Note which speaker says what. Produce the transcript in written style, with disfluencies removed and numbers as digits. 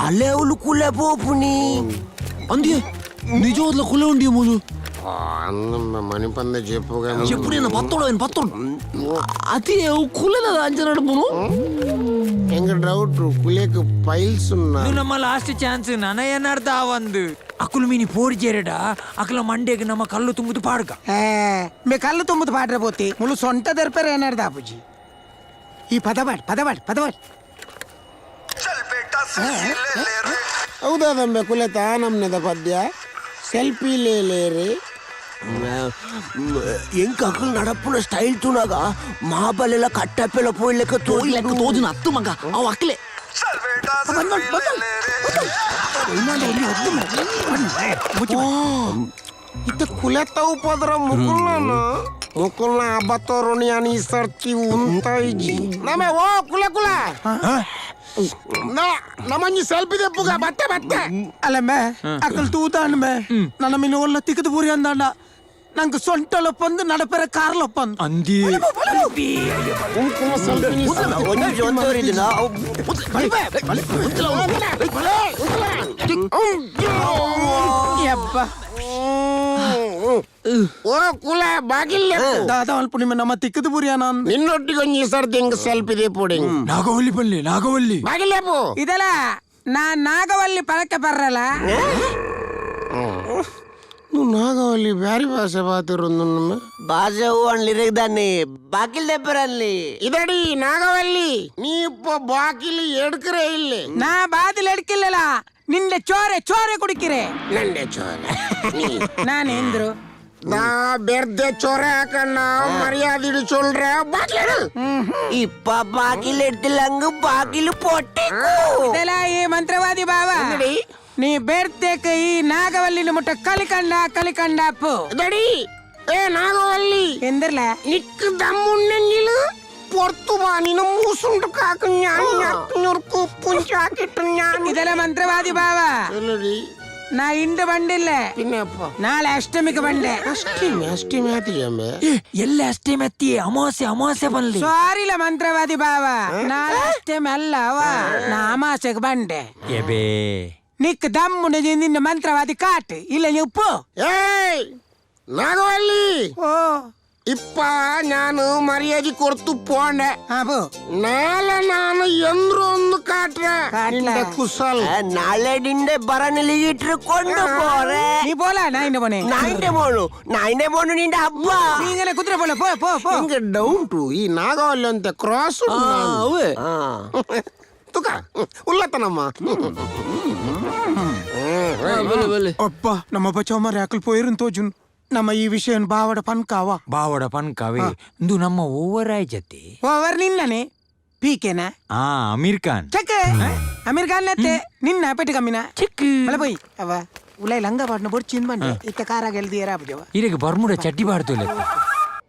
Speaker 1: ಅಲ್ಲೇವಲು ಕುಲೆ ಬೋಪುನಿ
Speaker 2: ಅಂದ್ಯ ನಿಜವಾದ ಕುಲೆ ಉಂಡಿ ಮೂಲು
Speaker 3: మణి పంద చెప్పుగా
Speaker 2: చెప్పు నేను పత్తోడు అది కులే అంచనాడు మూను
Speaker 3: ಎಂಗ ಡೌಟ್ ಕುಲೇಕ್ ಪೈಲ್ಸ್ ಉన్నా
Speaker 4: ಇದು ನಮ್ಮ ಲಾಸ್ಟ್ ಚಾನ್ಸ್ ನನಯನ್ನರ್ಥ ಒಂದು ಅಕುಲು ಮೀನಿ ಪೋಡಿ చేరడా ಅಕಲ ಮಂಡೆಗೆ ನಮ್ಮ ಕಲ್ಲು ತುಂಬುದು ಪಾಡ್ಕ
Speaker 1: ಮೇ ಕಲ್ಲು ತುಂಬುದು ಪಾಡ್ರೆ ಬೋತಿ ಮುಳು ಸೊಂಟ ದರ್ಪರೆ ಏನಾರ್ದ ಅಪ್ಪುಜಿ ಈ ಪದವಾಡ್
Speaker 3: ಹೌದಾದಮ್ಮೆ ಕುಲೆತ ನಮ್ನೆದ ಪದ್ಯ ಸೆಲ್ಫಿ ಲೇರೆ
Speaker 1: ಎಂಕ ಅಕಲ್ ನಡಪುನ ಸ್ಟೈಲ್ ತುನಾಗ ಮಹಾಬಲೆಲ್ಲ ಕಟ್ಟಪ್ಪೆಲ್ಲ ಪೋಯ್ಲೆಕ್ಕ
Speaker 2: ತೋದಿನ ಹತ್ತು ಮಗ ಅವ್ ಅಕ್ಲೆ
Speaker 3: ಇತ್ತ ಕುಲೆತ್ತವು ಪೋದ್ರ ಮುಕುಲ್ನ ಅಬ್ಬತ್ತೋರುಣಿ ಅನಿ ಸರ್ತಿ ಉಂತಾಯಿಜಿ ನಮೆ ಓ ಕುಲೆ ನಮ್ಮಂಜಿ ಸೆಲ್ಫಿ ದೆಪ್ಪುಗ ಬತ್ತೆ
Speaker 1: ಅಲ್ಲಮ್ಮೆ ಅಕಲ್ ತೂತಾಂಡ್ಮೆ ನನ್ನ ಮೀನು ಒಲ್ಲ ತಿಕ್ಕದು ಪೂರಿ ಅಂದಾಂಡ ನಂಗೆ ಸೊಂಟಲೊಪ್ಪಂದು ನಡಪೆರ ಕಾರ್ಲೊಪ್ಪಂದು
Speaker 4: ಅಂದಿ
Speaker 3: ಓ ಕುಲ ಬಾಗಿಲ್ಲ
Speaker 1: ದಾದ ಅಲ್ಪ ನಿಮ್ಮ ನಮ್ಮ ತಿಕ್ಕದು ಪೂರಿ ಅನ್ನ
Speaker 3: ನಿನ್ನೊಟ್ಟಿಗೆ ಒಂಜಿ ಸರ್ತಿ ಹಿಂಗ ಸೆಲ್ಫಿ ದೆಪ್ಪುಡಿ
Speaker 4: ನಾಗವಲ್ಲಿ
Speaker 3: ಬಾಗಿಲ್ಲೇಪು
Speaker 1: ಇದೆಲ್ಲ ನಾ ನಾಗವಲ್ಲಿ ಪಳಕ್ಕೆ ಬರ್ರಲ್ಲ
Speaker 3: నువ్వు నాగవల్లి బ్యారి భాష బాతిరుందు
Speaker 1: భాష అన్లి దాన్ని బాకిల్ తెప్పరల్లి
Speaker 3: ఇదడి నాగవల్లి ನೀ ಇಪ್ಪ ಬಾಕಿಲಿ ಎಡ್ಕರೆ ಇಲ್ಲಿ
Speaker 1: ನಾ ಬಾದಿಲ್ ಎಡ್ಕಿಲ್ಲಲ್ಲ ನಿಂದೆ ಚೋರೆ ಕುಡಿಕಿರೆ
Speaker 3: ನಂಡೆ ಚೋರೆ
Speaker 1: ನಾನೇಂದ್ರು
Speaker 3: ನಾ ಬೆರ್ದೆ ಚೋರೆ ಹಾಕಣ್ಣ ಮರ್ಯಾದಿಡು ಚೊಲ್ರೆ ಬಾಕಿಲು
Speaker 1: ಇಪ್ಪ ಬಾಕಿಲ್ ಎಡ್ತಿಲ್ಲಂಗ ಬಾಕಿಲು ಪೊಟ್ಟೆ ಇದೆಲ್ಲ ಈ ಮಂತ್ರವಾದಿ ಬಾವ ನೀ ಬೇಡ್ತೇಕ ಈ ನಾಗವಲ್ಲಿನ ಮುಟ್ಟ ಕಲಿಕಂಡ ಅಪ್ಪು
Speaker 3: ಇದಡಿ ಏ ನಾಗವಲ್ಲಿ
Speaker 1: ಎಂದಿರ್ಲ
Speaker 3: ನಿಕ್ ದಮ್ಮುಣ್ಣೆಂಗಿಲು പൊർത്തു പാനിനും മൂസുണ്ട് കാക്കും ഞാൻ ഞുറുക്കു പുഞ്ചാക്കിട്ടു ഞാൻ
Speaker 1: ಇದೆಲ್ಲ ಮಂತ್ರವಾದಿ ಬಾವ ನಾ ಇಂದು ಬಂದಿಲ್ಲ
Speaker 3: പിന്നെപ്പ
Speaker 1: ನಾಳೆ ಅಷ್ಟಮಿಗೆ ಬಂದೆ
Speaker 3: ಅಷ್ಟಿಮೆ ಆತಿಯಮ್ಮೆ
Speaker 4: ಎಲ್ಲ ಅಷ್ಟೇ ಮೆತ್ತಿ ಅಮಾವಾಸ್ಯೆ ಬನ್ಲಿ
Speaker 1: ಸಾರಿಲ್ಲ ಮಂತ್ರವಾದಿ ಬಾವ ನಾಳೆ ಅಷ್ಟಮಿ ಅಲ್ಲ ಅವ ನಾ ಅಮಾಸೆಗೆ ಬಂದೆ
Speaker 4: ಎಬೇ
Speaker 1: ನಿಕ್ ದಮ್ಮುನ ನಿನ್ನ ಮಂತ್ರವಾದಿ ಕಾಟ್ ಇಲ್ಲ ಉಪ್ಪು
Speaker 3: ಏಯ್ ನಾಗವಲ್ಲಿ
Speaker 1: ಓ
Speaker 3: ಇಪ್ಪ ನಾನು ಮರ್ಯಾದೆ ಕೊಡ್ತು ಪೋಂಡೆ
Speaker 1: ಅಪ್ಪು
Speaker 3: ನಾಳೆ ನಾನು ಎಂದ್ರು ಒಂದು ಕಾಟ್ರೆ ಕುಸಲ್
Speaker 1: ನಾಳೆ ಡಿಂಡೆ ಬರನಲ್ಲಿ ಇಟ್ಕೊಂಡು ಪೋರೆ ನೀ ಪೋಲ ನಾಯಿನ ಬೋನೆ ನಾಯಿನ ಬೋನು ನಿಂದ ಹಬ್ಬ ನೀಂಗನೆ ಕುದುರೆ ಪೋಲ ಪೋ
Speaker 3: ಹಿಂಗೆ ಡೌಟು ಈ ನಾಗವಲ್ಲಿ ಅಂತ ಕ್ರಾಸ್ ತುಕ ಉಲ್ಲತನಮ್ಮ
Speaker 1: ಅಪ್ಪ ನಮ್ಮ ಬಚಾವಮಾರಿ ಅಕಲ್ ಪೋಯಿರನ್ ತೋಜುನ್ ನಮ್ಮ ಈ ವಿಷಯ ಬಾವಡ
Speaker 4: ಪನ್ಕಾವೆ ಇಂದು ನಮ್ಮ ಓವರಾಯ್ ಜತೆ
Speaker 1: ಓವರ್ ನಿನ್ನನೆ ಪೀಕೆನಾ
Speaker 4: ಅಮೀರ್ ಖಾನ್
Speaker 1: ಚೆಕ್ ಅಮೀರ್ ಖಾನ್ ನೆತ್ತೆ ನಿನ್ನ ಪೆಟ್ಟು ಕಮ್ಮಿನ
Speaker 4: ಚಿಕ್ಕ
Speaker 1: ಮಳೆ పోయి ಅವ ಉಲೈ ಲಂಗ ಪಾಟ್ನ ಬೊಡ್ಚಿಂದ್ ಬಂಡೆ ಇತ್ತ ಕಾರಾಗ ಎಲ್ದಿಯರ ಅಬ್ಬಜವ
Speaker 4: ಇದಕ್ಕೆ ಬರ್ಮುಡ ಚಡ್ಡಿ ಬಾಡ್ತು